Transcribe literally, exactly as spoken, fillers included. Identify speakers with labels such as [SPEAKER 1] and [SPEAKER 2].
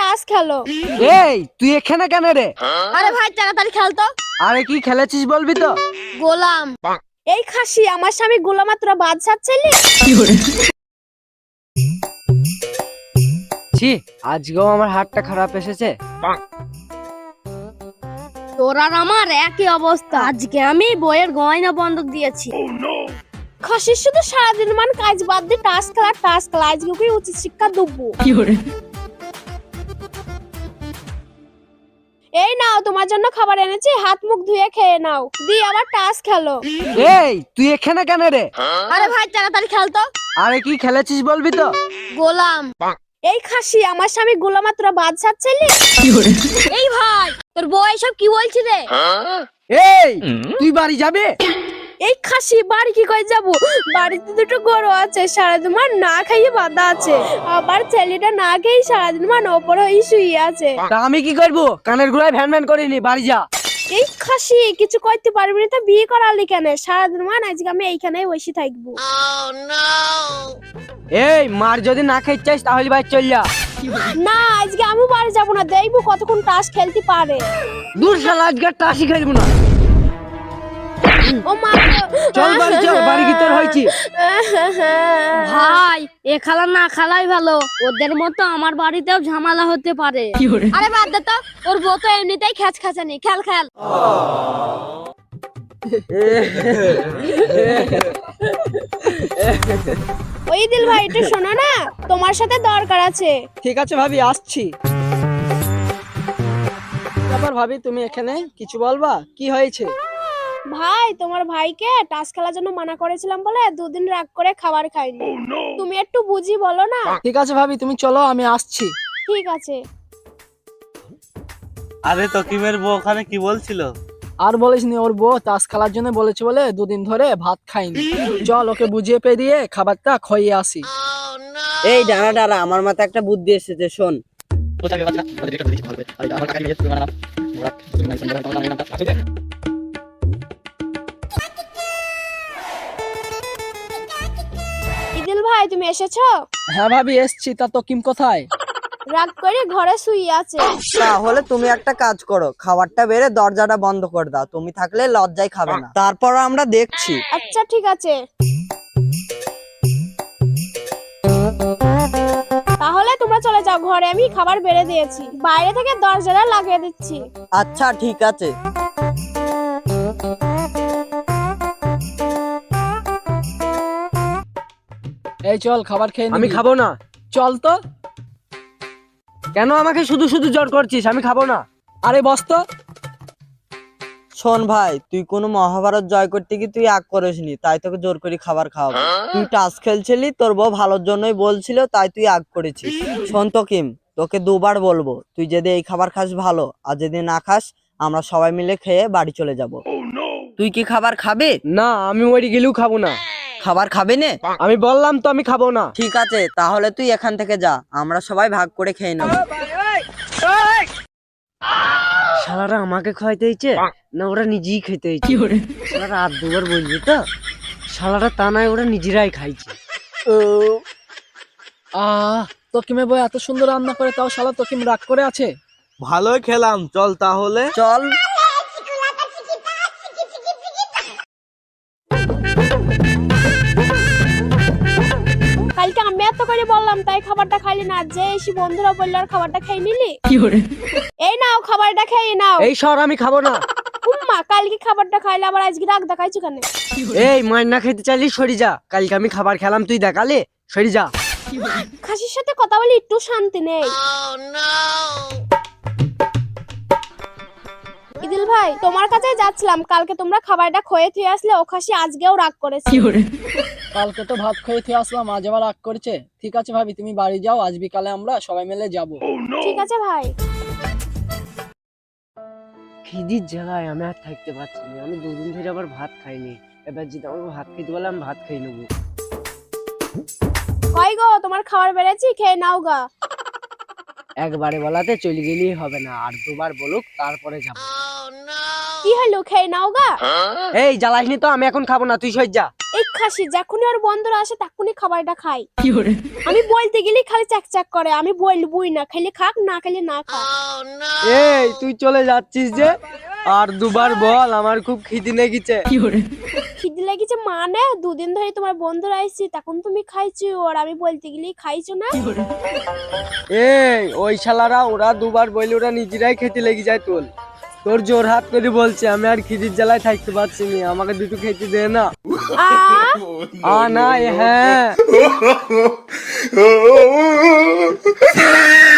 [SPEAKER 1] টাস খেলো।
[SPEAKER 2] এই তুই এখানে কেন রে?
[SPEAKER 1] আরে ভাই তাড়াতাড়ি খেল তো।
[SPEAKER 2] আরে কি খেলেছিস বলবি তো?
[SPEAKER 1] গোলাম। এই খাসি আমার স্বামী গোলাম, তোরা বাদ ছাড়ছিলি?
[SPEAKER 2] ছি, আজকেও আমার হাতটা খারাপ এসেছে।
[SPEAKER 1] তোর আর আমার একই অবস্থা। আজকে আমি বইয়ের গয়না বন্ধক দিয়েছি। খাসির শুধু সারাদিন মান কাজ বাদ দিয়ে টাস খেলা টাস খেলা। আজকে ওকে উচিত শিক্ষা দেবো। এই নাও তোমার জন্য খাবার এনেছি, হাত মুখ ধুয়ে খেয়ে নাও, দিয়ে আবার টাস খেলো।
[SPEAKER 2] এই তুই এখানে কেন রে?
[SPEAKER 1] আরে ভাই তাড়াতাড়ি খেল তো।
[SPEAKER 2] আরে কি খেলেছিস বলবি তো?
[SPEAKER 1] গোলাম। এই খাসি আমার স্বামী গোলাম, তোরা বাদ ছাড়ছিলি? এই ভাই তোর বউ এসব কি বলছি রে?
[SPEAKER 2] এই তুই বাড়ি যাবি?
[SPEAKER 1] এই খাসি বাড়ি কি করে যাবো? বাড়িতে দুটো গরু আছে, সারাদিন মান না খাইয়ে বাঁধা আছে। আবার ছেলেটা না খেয়ে সারাদিন মান ওপর হয়ে শুয়ে আছে।
[SPEAKER 2] তা আমি কি করবো? কানের গোড়ায় ভ্যান ভ্যান করিনি, বাড়ি যা।
[SPEAKER 1] এই খাসি কিছু করতে পারবি না তো বিয়ে করালি কেন? সারাদিন মান আজকে আমি এইখানেই বসে থাকবো।
[SPEAKER 2] এই মার যদি না খেতে চাইস তাহলে বাড়ি চল যা।
[SPEAKER 1] না আজকে আমি বাড়ি যাবো না, দেখবো কতক্ষণ টাস খেলতে পারে।
[SPEAKER 2] দূর শালা, আজকে টাসি খেলবো না।
[SPEAKER 1] ও মা,
[SPEAKER 2] চল বাড়ি চল, বাড়ি কি তোর হয়েছি?
[SPEAKER 1] ভাই এ খেলা না খেলাই ভালো, ওদের মতো আমার বাড়িতেও ঝামেলা হতে পারে। আরে বাদ দে তো, ওর বউ তো এমনিতেই খ্যাচ খাচানি। খেল খেল। ওই দিল ভাই একটু শোনো না, তোমার সাথে দরকার আছে।
[SPEAKER 3] ঠিক আছে ভাবি, আসছি। তারপর ভাবি তুমি এখানে কিছু বলবা? কি হয়েছে?
[SPEAKER 1] ভাই তোমার ভাইকে টাস খেলার জন্য মানা করেছিলাম বলে দুদিন রাগ করে খাবার খাইনি। তুমি একটু বুঝি বলো না।
[SPEAKER 3] ঠিক আছে ভাবি, তুমি চলো, আমি আসছি।
[SPEAKER 1] ঠিক আছে।
[SPEAKER 4] আরে তকিমের বউ ওখানে কি বলছিল?
[SPEAKER 3] আর বলিসনি, ওর বউ তাস খেলার জন্য বলেছে বলে দুদিন ধরে ভাত খাইনি। চল ওকে বুঝিয়ে পে দিয়ে খাবারটা খাইয়ে আসি।
[SPEAKER 5] এই দাঁড়া দাঁড়া, আমার মাথায় একটা বুদ্ধি এসেছে, শোন।
[SPEAKER 1] ইদিল ভাই তুমি এসেছো?
[SPEAKER 3] হ্যাঁ ভাবি এসছি। তা তকিম কোথায়?
[SPEAKER 1] রাগ করে ঘরে শুয়ে আছে।
[SPEAKER 5] তাহলে তুমি একটা কাজ করো, খাবারটা বেড়ে দরজাটা বন্ধ করে দাও। তুমি থাকলে লজ্জায় খাবে না, তারপর আমরা দেখছি।
[SPEAKER 1] আচ্ছা ঠিক আছে। তাহলে তোমরা চলে যাও ঘরে, আমি খাবার বেড়ে দিয়েছি, বাইরে থেকে দরজাটা লাগিয়ে দিচ্ছি।
[SPEAKER 5] আচ্ছা ঠিক আছে।
[SPEAKER 3] এই চল খাবার খেয়ে
[SPEAKER 2] আমি
[SPEAKER 3] নিবি।
[SPEAKER 2] খাবো না।
[SPEAKER 3] চল তো।
[SPEAKER 2] কেন আমাকে শুধু শুধু জোর করছিস? আমি খাবো না।
[SPEAKER 3] আরে বস তো।
[SPEAKER 5] শোন ভাই, তুই কোনো মহাভারত জয় করতে গিয়ে তুই আগ করিসনি, তাই তোকে জোর করে খাবার খাওয়াবো। তুই টাস খেলছিলি, তোর বউ ভালোর জন্যই বলছিল, তাই তুই আগ করেছিস। শোন তকিম, তোকে দুবার বলবো, তুই যদি এই খাবার খাস ভালো, আর যদি না খাস আমরা সবাই মিলে খেয়ে বাড়ি চলে যাব। তুই কি খাবার খাবে?
[SPEAKER 2] না, আমি ওই গেলেও খাবো না।
[SPEAKER 5] খাবার খাবে না?
[SPEAKER 2] আমি বললাম তো আমি খাবো না।
[SPEAKER 5] ঠিক আছে, তাহলে তুই এখান থেকে যা, আমরা সবাই ভাগ করে খেয়ে নেব।
[SPEAKER 2] শালারা আমাকে খাইতে হয়েছে না ওরা নিজেই খেতে হয়েছে? শালারা আর দুবার বলবি তো? শালারা তা নয়, ওরা নিজেরাই খাইছে।
[SPEAKER 3] আহ তকিমের বউ এত সুন্দর রান্না করে, তাও শালা তকিম রাগ করে আছে।
[SPEAKER 4] ভালোই খেলাম, চল তাহলে।
[SPEAKER 5] চল।
[SPEAKER 1] কালকে আমি এত করে বললাম তাই খাবারটা খাইলি না, যে এসে বন্ধুরা বললো আর খাবারটা খেয়ে নিলি। এই নাও খাবারটা খেয়ে নাও।
[SPEAKER 2] এই সর, আমি খাবো না।
[SPEAKER 1] উম্মা কালকে খাবারটা খাইলে আবার আজকে রাগ দেখাইছো কেন?
[SPEAKER 2] এই মার না খেতে চাইলি সরি যা। কালকে আমি খাবার খেলাম, তুই দেখালে, সরি যা।
[SPEAKER 1] খাসির সাথে কথা বলি একটু শান্তি নেই। ইদিল ভাই তোমার কাছে যাচ্ছিলাম, কালকে তোমরা খাবারটা খেয়ে থুয়ে আসলে, ও খাসি আজকেও রাগ করেছে।
[SPEAKER 3] কালকে তো ভাত খেয়ে খেয়ে আসলাম, আজ আবার রাগ করছে। ঠিক আছে ভাবি, তুমি বাড়ি যাও, আজ বিকালে আমরা সবাই মিলে যাব।
[SPEAKER 1] ঠিক আছে ভাই।
[SPEAKER 2] খিদির জ্বালায় আমি আর থাকতে পারছি না। আমি দুদিন ধরে আবার ভাত খাইনি। এবার যদি আমাকে ভাত খেতে বলে আমি ভাত খেয়ে নেবো।
[SPEAKER 1] কই গো তোমার খাবার বেড়েছি, খেয়ে নাও গা।
[SPEAKER 2] একবারে বলাতে চলে গেলেই হবে না, আর দুবার বলুক তারপরে যাবো।
[SPEAKER 1] কি হলো, খেয়ে নাও গা।
[SPEAKER 2] এই জ্বালাসনি তো, আমি এখন খাবো না, তুই সই যা।
[SPEAKER 1] এই খাসি যখনই ওর বন্ধুরা আসে তখনই খাবারটা খাই। আমি বলতে গেলেই খালি চ্যাক চ্যাক করে, আমি বলবই না, খেলে খাক না খেলে না খাক।
[SPEAKER 2] এই তুই চলে যাচ্ছিস যে, আর দুবার বল, আমার খুব খিদে লেগেছে।
[SPEAKER 1] খিদে লেগেছে মানে দুদিন ধরে তোমার বন্ধুরা আসছে তখন তুমি খাইছো, আর আমি বলতে গেলেই খাইছো না।
[SPEAKER 2] এই ওই শালারা ওরা দুবার বললে ওরা নিজেরাই খেতে লেগে যায়। তোর তোর জোর হাত করে বলছে, আমি আর খিদির জ্বালায় থাকতে পারছি না, আমাকে দুটো খেতে দে না।
[SPEAKER 1] আ
[SPEAKER 2] আ না, এ হ্যাঁ।